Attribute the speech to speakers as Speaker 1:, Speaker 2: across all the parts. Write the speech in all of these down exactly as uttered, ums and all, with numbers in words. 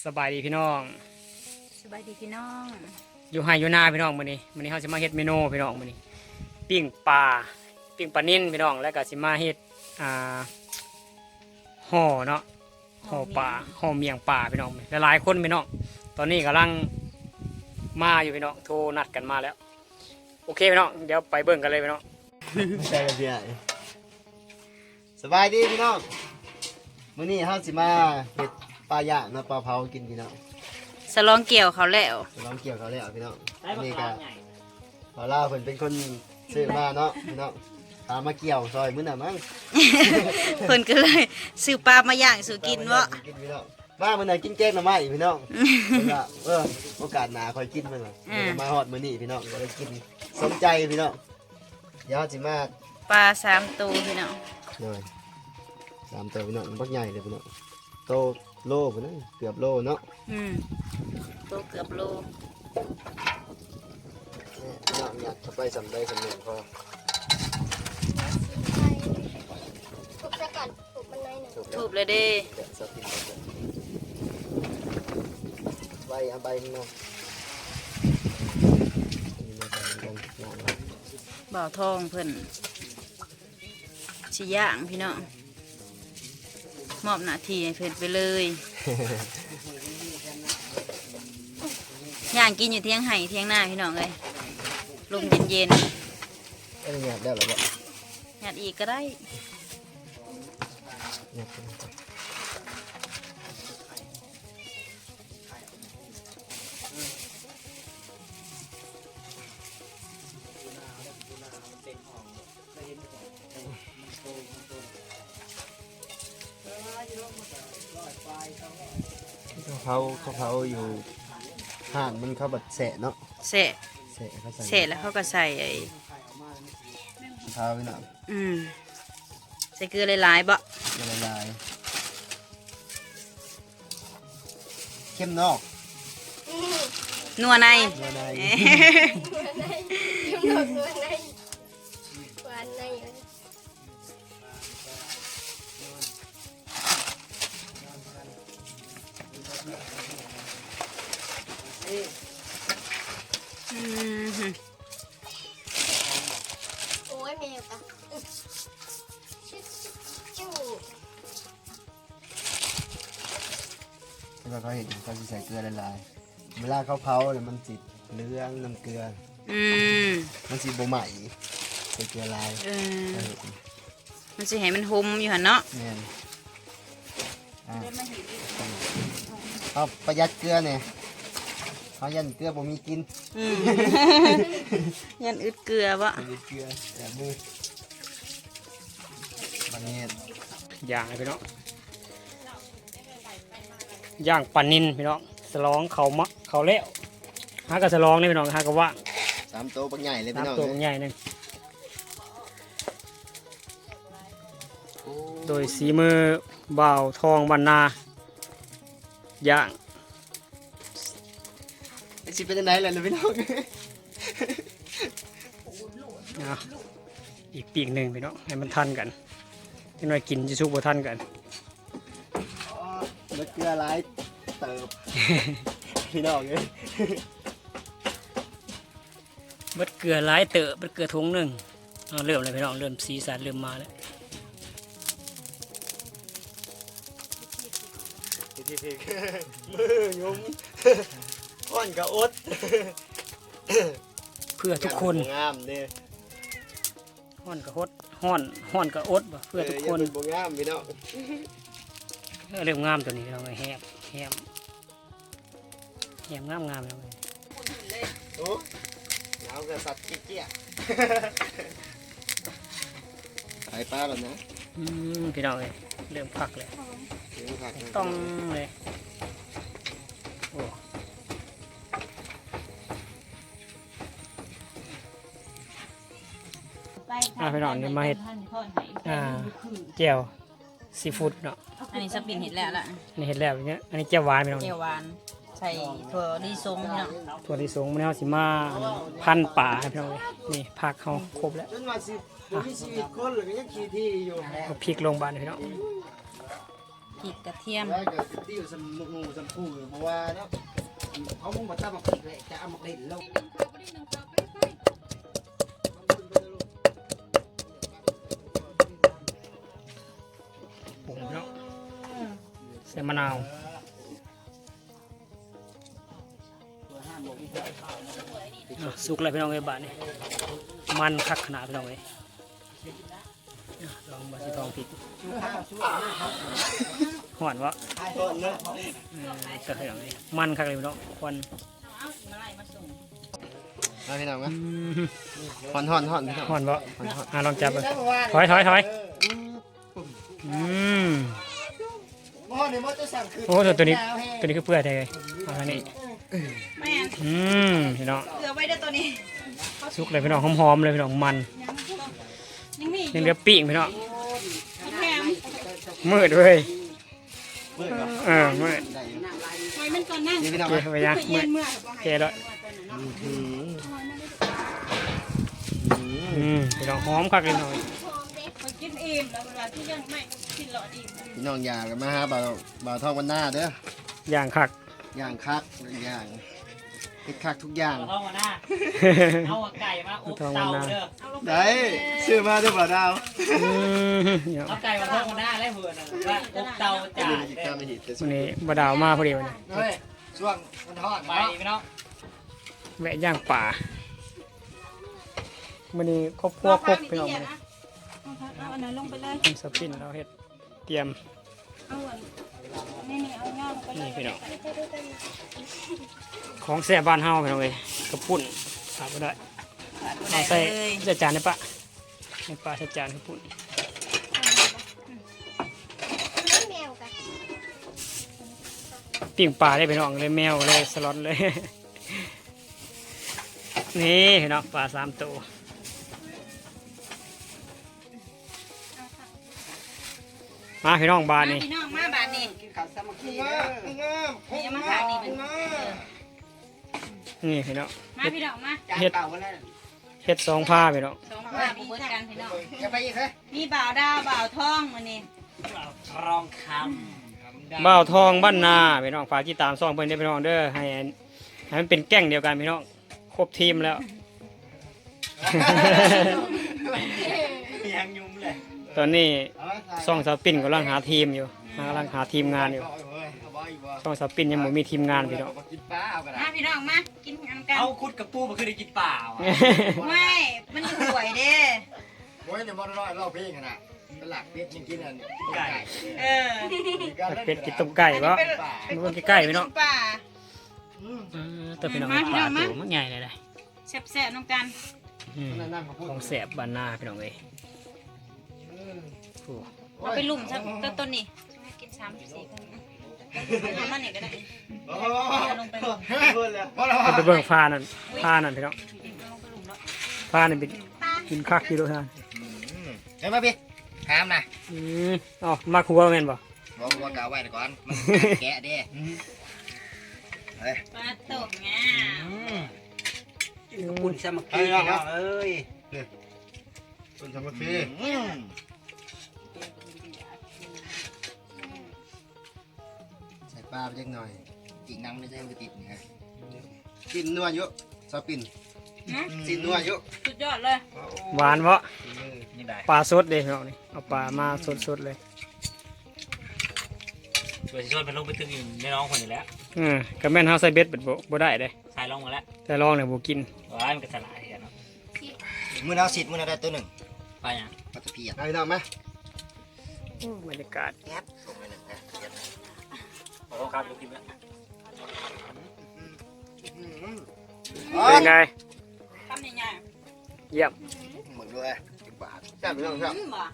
Speaker 1: สบายดีพี่น้อง
Speaker 2: สบายดีพี่น้อง
Speaker 1: อยู่ไฮอยู่นาพี่น้องมื้อนี้มื้อนี้เฮาสิมาเฮ็ดเมนูพี่น้องมื้อนี้ปิ้งปลาปิ้งปลานิ่นพี่น้องแล้วก็สิมาเฮ็ดอ่าห่อเนาะห่อปลาห่อเมี่ยงปลาพี่น้องหลายๆคนพี่น้องตอนนี้กำลังมาอยู่พี่น้องโทรนัดกันมาแล้วโอเคพี่น้องเดี๋ยวไปเบิ่งกันเลยพี่น้อง
Speaker 3: ใช่กันพี่สบายดีพี่น้องมื้อนี้เฮาสิมาเฮ็ดปลาย่างเนาะปลาเผากินพี่น้อง
Speaker 2: สลองเกี่ยวเขาแล้ว
Speaker 3: ลองเกี่ยวเขาแล้วพี่น้องนี่ก็ปลาล่าเพิ่นเป็นคนซื้อมาเนาะพี่น้องตามมาเกี่ยวซอยมื้อน่ะมั้ง
Speaker 2: เพิ่นก็เลยซื้อปลามาย่างสู่กินวะ
Speaker 3: กินพี่น้องมามื้อน่ะกินแกงหน่อไม้พี่น้องเพิ่นว่าเออโอกาสหน้าค่อยกินมื้อน่ะมาฮอดมื้อนี้พี่น้องก็ได้กินสมใจพี่น้องเดี๋ยวสิมา
Speaker 2: ปลาสามตัวพี่น้อง
Speaker 3: เลยสามตัวพี่น้องบักใหญ่เลยพี่น้องโตโลพี่น้องเกือบโลเนาะ
Speaker 2: อืมตัวเกือบโล
Speaker 3: พี่น้องเนี่ยเข้าไปสำได้สำหนึ่งพอ
Speaker 4: ทุบซะก่อนทุบมันหน่อยหนึ่ง
Speaker 2: ถูกเลยเด้
Speaker 3: เดี๋ยวสติดใบเอาใบมา
Speaker 2: บ่าวทองเพิ่นสิย่างพี่น้องมอบหน้าที่ให้เพิ่นไปเลยย่างกินอยู่เที่ยงไห่เที่ยงหน้าพี่น้องเลยลมเย็น
Speaker 3: เอ้ยเนี่ยได้หรอบ่
Speaker 2: ๆหยัดอีกก็ได้
Speaker 3: เนี่ยเขาเขาเขาอยู่ห่านมันเขาบัดแสะเนาะ
Speaker 2: เสะ
Speaker 3: แสะเขาใส่
Speaker 2: เสร็จแล้วเขาก็ใส่ไอ้
Speaker 3: เท้าพี่น้อง
Speaker 2: อืมใส่เกลือหลายๆบ่
Speaker 3: ละลายเข้มนอก
Speaker 2: นัวใน
Speaker 3: ละลาย
Speaker 4: ยิ้มหนกนวลในหวานในอยู่
Speaker 2: อืมฮึ
Speaker 4: โอ้ยแมวกะชิจู
Speaker 3: แล้วก็เขาเห็นเขาจะใส่เกลือละลายเวลาเขาเผาเนี่ยมันจิเหลืองน้ำเกลือ
Speaker 2: อืม
Speaker 3: มันสีบ่ใหม่ใส่เกลือลาย
Speaker 2: เออ
Speaker 3: เออ
Speaker 2: มันสิให้มันหมอยู่หั่นเนาะ
Speaker 3: แม่นอ่ะเอาประหยัดเกลือเนี่ยเขายันเกลือบ่มีกิน
Speaker 2: อืม ยันอึดเกลือบ่
Speaker 3: ประหยัดเกลือแบบมือบันนี้
Speaker 1: ย่างให้พี่น้องย่างปลานิ่นพี่น้องสลองเขามะเขาแล้วหากระสลองนี่พี่น้องหากระว่าง
Speaker 3: สามโตวปักใหญ่เลยพี่
Speaker 1: น้ำ
Speaker 3: น้อง
Speaker 1: ตัว
Speaker 3: เอ้ย
Speaker 1: ใหญ่หนึง
Speaker 3: โอ้
Speaker 1: โดยสีมือบ่าวทองบรรณาย่าง
Speaker 3: สิเป็นยังไงล่ะพี่น้อง
Speaker 1: นะอีกปีกหนึ่งพี่น้องให้มันทันกันที่น้อยกินจะชุกบ่ทันกัน
Speaker 3: แล้วเกลือหลายเติบ พี่น้องเอ้ย
Speaker 1: เบิดเกลือหลายเตอะเบิดเกลือถุงหนึ่งเอาเริ่มเลยพี่น้องเริ่มสีสันเริ่มมาแล้ว
Speaker 3: พี่พี่มือยุ้มก้อนกระอด
Speaker 1: เพื่อทุกคน
Speaker 3: งามเนี่ย
Speaker 1: ห้อนกระฮดห้อนห้อนกระอดบ่เพื่อทุกคน
Speaker 3: บ่งามพี่น้อง
Speaker 1: เออเริ่มงามตัวนี้เราไงแฮบแฮบแฮบงามงามแล้วไง
Speaker 3: โอ้หนาวกับสัตว์เจี๊ยไข่ปลาแล้วนะ
Speaker 1: อืมพี่น้องเลยเริ่มพักเลย
Speaker 3: เดี๋ยวผักนะ
Speaker 1: ต้องเลยโอ้อ่าพี่น้องเดี๋ยวมาเห็ดอ่าแจ่วซีฟู้ดเนาะ
Speaker 2: อันนี้สปินเห็ดแล้วล่ะ
Speaker 1: นี่เห็ดแล้วอย่างเงี้ยอันนี้แจ่วหวานพี่น้อง
Speaker 2: เจียวหวานใส่ถั่วลิสงพี่น้อง
Speaker 1: ถั่วลิสงมันเอาสิมาพันป่าให้พี่น้องเลยนี่ผักเขาครบแล้ว
Speaker 3: จนว่าสิบ่มีชีวิตคนหรือก็ยังขี้ที่อยู่
Speaker 1: เอาพริกลงบานให้พี่น้อง
Speaker 2: พริกกระเทียม
Speaker 3: แล้วก็ติ้วสมุนูสมูเพราะว่าเนาะเขามุ่งมาตั้งมาปิดเลยจะเอามาเล่นลง
Speaker 1: ปรุงเนาะใส่มะนาวอ่ะสุกเลยพี่น้องเอ้ยบาดนี่มันคักขนาดพี่น้องเอ้ยอ่ะลองมาสิลองพริกหอนวะ
Speaker 3: ก่อนเนาะ
Speaker 1: เออก็ให้ลองดิมันคักเลยพี่น้องควัน
Speaker 3: มาพี่น้อง
Speaker 1: อื
Speaker 3: นะ
Speaker 1: ม
Speaker 3: หอนหอนหอนพี่น้อง
Speaker 1: หอนวะอ่ะลองจับเลยถอยถอยถอยอืม
Speaker 3: หม้อนี่มันจะสั่งคือ
Speaker 1: โอ้ตัวตัวนี้ตัวนี้คือเปื่อยแท้เลยเอาอันนี้
Speaker 2: แม่น
Speaker 1: อืมพี่น้อง
Speaker 2: เกลือไว้ด้วยตัวนี้
Speaker 1: สุกเลยพี่น้องหอมๆเลยพี่น้องมัน
Speaker 2: ยังมี
Speaker 1: ยังเหลือปีกพี่น้อง
Speaker 2: แถม
Speaker 1: มืดเลยเออมืด
Speaker 2: ไว้มันก่อนนั่ง
Speaker 3: นี่พี่น้อง
Speaker 1: เกไปยังมืด
Speaker 2: เมื่อ
Speaker 1: เกแล้วอืมพี่น้องหอมคักเลยหน่อย
Speaker 2: ไปกินอิ่มแล้วเวลาที่ยังไม่กินหลอดอิ่ม
Speaker 3: พี่น้องอยากกันมาฮะบ่าวบ่าวทองวันหน้าเด้อ
Speaker 1: ย่างคัก
Speaker 3: อย่างคักอย่างเฮ็ดคักทุกอย่าง
Speaker 5: เอาหน้าเอาไก่มาอบเตาเด้อ
Speaker 3: ได้ซื้อมาด้วยบ่าวดาว
Speaker 1: อืมพี่น้อง
Speaker 5: เอาไก่มาทอดหน้าได้เพื่อนนะว่าอบเตาจ่า
Speaker 3: อีกตามไม่เห็นแต่
Speaker 1: วันนี้บดาวมาพอดีวันนี้
Speaker 3: เฮ้ยช่วงมันทอด
Speaker 5: ไปพี่น้อง
Speaker 1: แวะย่างป่าวันนี้ครอบครัวครบพี่น้องวันนี้
Speaker 2: เอาอันนั้นลงไปเลย
Speaker 1: ทำสปินเราเฮ็ดเตรียม
Speaker 2: เอาอันนี่นี่เอาย่างไปเล
Speaker 1: นี่
Speaker 2: ย
Speaker 1: พี่น้องของแซ่บบ้านเฮาพี่น้องเอ้ยกระปุ่นขาดบ่ได้เอาใส่ใส่จานได้ปะในปลาใส่จานกระปุ่น
Speaker 4: แมวกัน
Speaker 1: ปิ้งปลาได้พี่น้องเลยแมวเลยสล็อตเลย นี่พี่น้องปลาสามตัวมาพี่น้องบานนี่
Speaker 2: พี่น้องมาบาทนี่
Speaker 3: กินข้าวสามัคคี
Speaker 2: นี่มาทานนี่เป็น
Speaker 1: นี่พี่น้อง
Speaker 2: มาพี่น้องมา
Speaker 1: เฮ็ดเฮ็ดสองผ้าพี่น้อง
Speaker 2: สองผ้าบุกกันพี่น้อง
Speaker 3: จะไปอีกเหรอ
Speaker 2: มีบ่าวดาวบ่าวทองมื้อนี้
Speaker 5: รองค
Speaker 1: บ่าวทองบ้านนาพี่น้องฝากที่ตามซ่องเพิ่นได้อพี่น้องเด้อให้ให้มันเป็นแก๊งเดียวกันพี่น้องครบทีมแล้ว
Speaker 5: ำยังยุ่มเลย
Speaker 1: ตอนนี้ซ่องสาวปิ่นกำลังหาทีมอยู่กำลังหาทีมงานอยู่ซ่องสาวปิ่นยังไม่มีทีมงานพี่น้อง
Speaker 3: กินปลาเอากัน
Speaker 2: มาพี่น้องมากินกันกัน
Speaker 5: เอาคุดกับปูมาคือได้กินเปล่า
Speaker 2: ไม่มันห่วยเด้
Speaker 3: โอ้ยเนี่ยมันร้อยรอบเพลงขนาดเป็นหลักเป็ดยังกินอันไก่
Speaker 2: เออ
Speaker 1: เป็ดกินต้มไก่วะมันใกล้ๆพี่น้อง
Speaker 2: ป่า
Speaker 1: เออแต่พี่น้อง
Speaker 2: มาพี่
Speaker 1: ป
Speaker 2: น้
Speaker 1: ลา
Speaker 2: องมา
Speaker 1: ตัวมันใหญ่เลยเลย
Speaker 2: แซ่บๆน้องกัน
Speaker 1: อืมของแสบบ้านนาพี่น้องเอ้ยโอ้
Speaker 2: เอาไปลุ่มซะต้นต้นนี่กินสามสี่คนเอามานี่ก็ได้
Speaker 3: โอ้
Speaker 2: เอาลงไปลุ่ม
Speaker 1: เอาไปเบิ่งฟ้านั่นฟ้านั่นพี่น้อง
Speaker 2: เอาลงไปลุ่มแล้ว
Speaker 1: ฟ้านี่เป็นกินคักอยู่ด้วยท่าน
Speaker 3: เฮ้ยมาพี่ถามนะ
Speaker 1: อืมอ๋อมาครัวแม่นบ่
Speaker 3: บอกว่ากาไว้ก่อนมันแกะเด้
Speaker 2: ปลาตกงา
Speaker 5: ปุ่นสมัครพี่น้องเอ้ย
Speaker 3: คุณสามัคคีใส่ปลาไปเล็กหน่อยอีกน้ำไม่ใช่มันจะติดไงปิ่นนัวเยอะซอปิ่นสินนัวเยอะ
Speaker 2: สุดยอดเลย
Speaker 1: หวานบ่
Speaker 5: ยังได้
Speaker 1: ปลาสดเด้พี่น้องนี่เอาปลามาสดๆเลย
Speaker 5: ตัวชิชนเป็นลงไปถึงในน้องคนนี้แล้ว
Speaker 1: อืมก็แม่นเฮาใส่เบ็ดเบิดบ่บ่ได้เด้
Speaker 5: ใส่ลงมาแล้ว
Speaker 1: แต่ลองเนี่ยบ่กิน
Speaker 5: ว้ายมันก็สลายกันเนาะ
Speaker 3: มือเอาสิทธิ์มือเอาได้ตัวหนึ่ง
Speaker 5: ไปยัง
Speaker 3: ปลาตะเพียนเอาพี่น้องไหม
Speaker 1: บรรยากาศ
Speaker 3: แอบลงไปหนึ่งนะ
Speaker 5: โอ้ครับลูกกินแล้ว
Speaker 1: เป็นไง
Speaker 2: ทำยังไง
Speaker 1: เยี่ยม
Speaker 3: เหมือนด้วยสิบบาทแซ่บพี่น้องครับ
Speaker 2: อืมบ่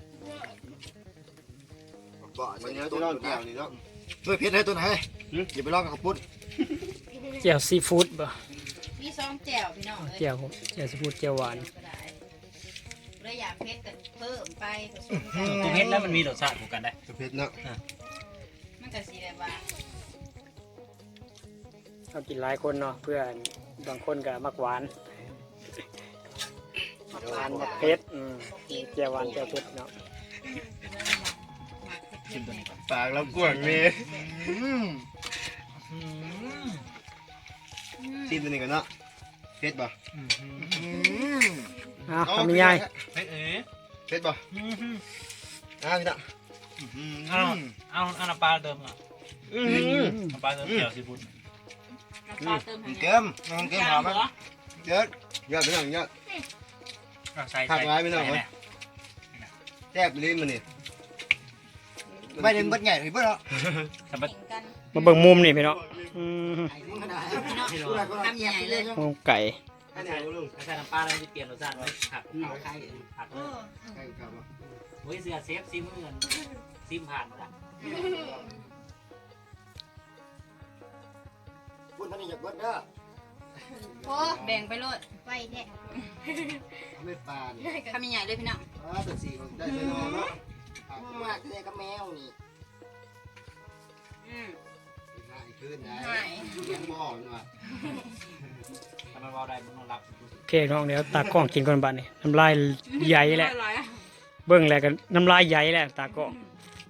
Speaker 3: บ่มันเนื้อตัวเดียวนี่เนาะด้วยเพชรให้ตัวไหนอย่าไปลองกับข้าวปุ้น
Speaker 1: เจียวซีฟู้ดบ่
Speaker 2: มีซองแจ่วพี่น้องเลย
Speaker 1: เจียวผมเจียวซีฟู้ดเจียวหวาน
Speaker 2: ก็ได้เลยอยากเพชรกันเพิ่มไปผสมกัน
Speaker 5: ตัวเพชรแล้วมันมีรสชาติผูกกันได้
Speaker 3: ตัวเพชรเนาะ
Speaker 2: มันก็สีแบบว่า
Speaker 1: เอากินหลายคนเนาะเพื่อนบางคนก็มักหวานหวานมักเผ็ดอืมเจียวหวานเจียวเผ็ดเนาะ
Speaker 2: หมักเผ็
Speaker 5: ชิมตัวนี้ก่อน
Speaker 3: ปากเรากวางเลยชิมตัวนี้ก่อนเนาะเผ็ดบ่
Speaker 1: อ่ะทำยังไง
Speaker 5: เฮ้ยเอ๋
Speaker 3: เผ็ดบ่อ่าพี่น้อง
Speaker 5: เอาเอาเอาน้ำปลาเติมก่อน
Speaker 3: อืม
Speaker 5: น้ำปลาเติมเกี่ยวซีฟู้ด
Speaker 2: น้ำปลาเติมให้
Speaker 3: เกมน้องเกมหอมมั้ยเยอะเยอะพี่น้องเยอะ
Speaker 5: ใส่
Speaker 3: ผักไว้ไม่ต้อง
Speaker 5: ใส่
Speaker 3: เว้ย
Speaker 5: แน่
Speaker 3: แซ่บลิ้นมันนี่ไม่ได้เบิดใหญ่เลยเบิดเนาะ
Speaker 5: สำหรับ
Speaker 2: แข่งกัน
Speaker 1: มาเบิ่งมุมนี่พี่น้องอืม
Speaker 2: พี่น้องทำใหญ่เลย
Speaker 1: มุมไก่
Speaker 3: อันไหนลุง
Speaker 5: ใส่น้ำปลาแล้วจะเปลี่ยนรสชาติไหมผักเอาไข่ผักเลยเฮ้ยเสือเซฟซิมเหมือนซิมผ่านหมดอ่ะ
Speaker 3: พูดท่านนี่อยากเบิดเด้อ
Speaker 4: โอ้
Speaker 2: แบ่งไปโลด
Speaker 4: ไปแท้
Speaker 3: ไม่ปลาเนี่ย
Speaker 2: ทำใหญ่เลยพี่น้อง
Speaker 3: อ่าตัวสี่ได้เลยเนาะมากเลยกับแมวนี่
Speaker 2: อืม
Speaker 3: ง่ายขึ้นนะ
Speaker 2: ง่าย
Speaker 3: เลี้ยงบ่อเนาะ
Speaker 5: ทำไมเราได้มันต้องรับ
Speaker 1: โอเคน้องเดี๋ยวตากล้องกินก่อนบัดนี้น้ำลายใหญ่แหละ
Speaker 2: อร่อยอะ
Speaker 1: เบิ่งแล้วกันน้ำลายใหญ่แหละตากล้อง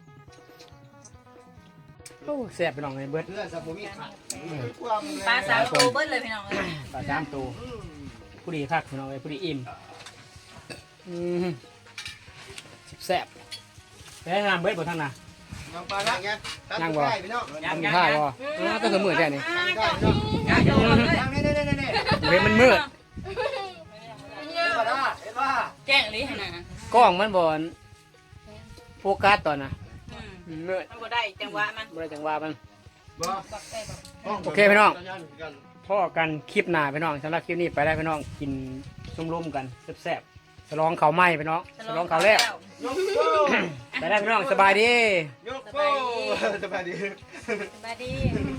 Speaker 1: โอ้แซ่บพี่น้องเลยเบิด
Speaker 3: เพื่อนสมุนมีขาด
Speaker 2: ปลาสามโตเบิ้ลเลยพี่น้องเลย
Speaker 1: ปลาสามตัวผู้ดีคักพี่น้องเลยผู้ดีอิ่มอืมแซ่บไปให้น้ำเบิดบ่ทั้งน่ะ
Speaker 3: น้ำปลาละเงี้ยตั้งบ่พี่น้อง
Speaker 1: ทำท่าบ่อ้าวก็คือมืดแค่นี้
Speaker 3: ตั้งได้พี่น้อง
Speaker 2: ง่ายโตเลย
Speaker 3: ตั้งนี่นี่นี่นี่
Speaker 1: เว้ยมันมืด
Speaker 3: เห็นป่ะเห็นป่ะ
Speaker 2: แจ้งเลยให้นะ
Speaker 1: กล้องมันบ่โฟกัสตอนน่ะ
Speaker 2: อืม
Speaker 1: มืด
Speaker 2: มันบ่ได้จังหวะมัน
Speaker 1: บ่ได้จังหวะมัน
Speaker 3: บ่
Speaker 1: โอเคพี่น้อง พ่อกันคลิปหน้าพี่น้องสำหรับคลิปนี้ไปได้พี่น้องกินซุ่มๆกันแซ่บๆฉลองเขาวไหม้พี่น้องฉลองเขาวแล้ว
Speaker 3: ยกโป้
Speaker 1: ไปได้พี่น้องสบายดี
Speaker 3: ยกโป้สบายดี
Speaker 2: สบายดี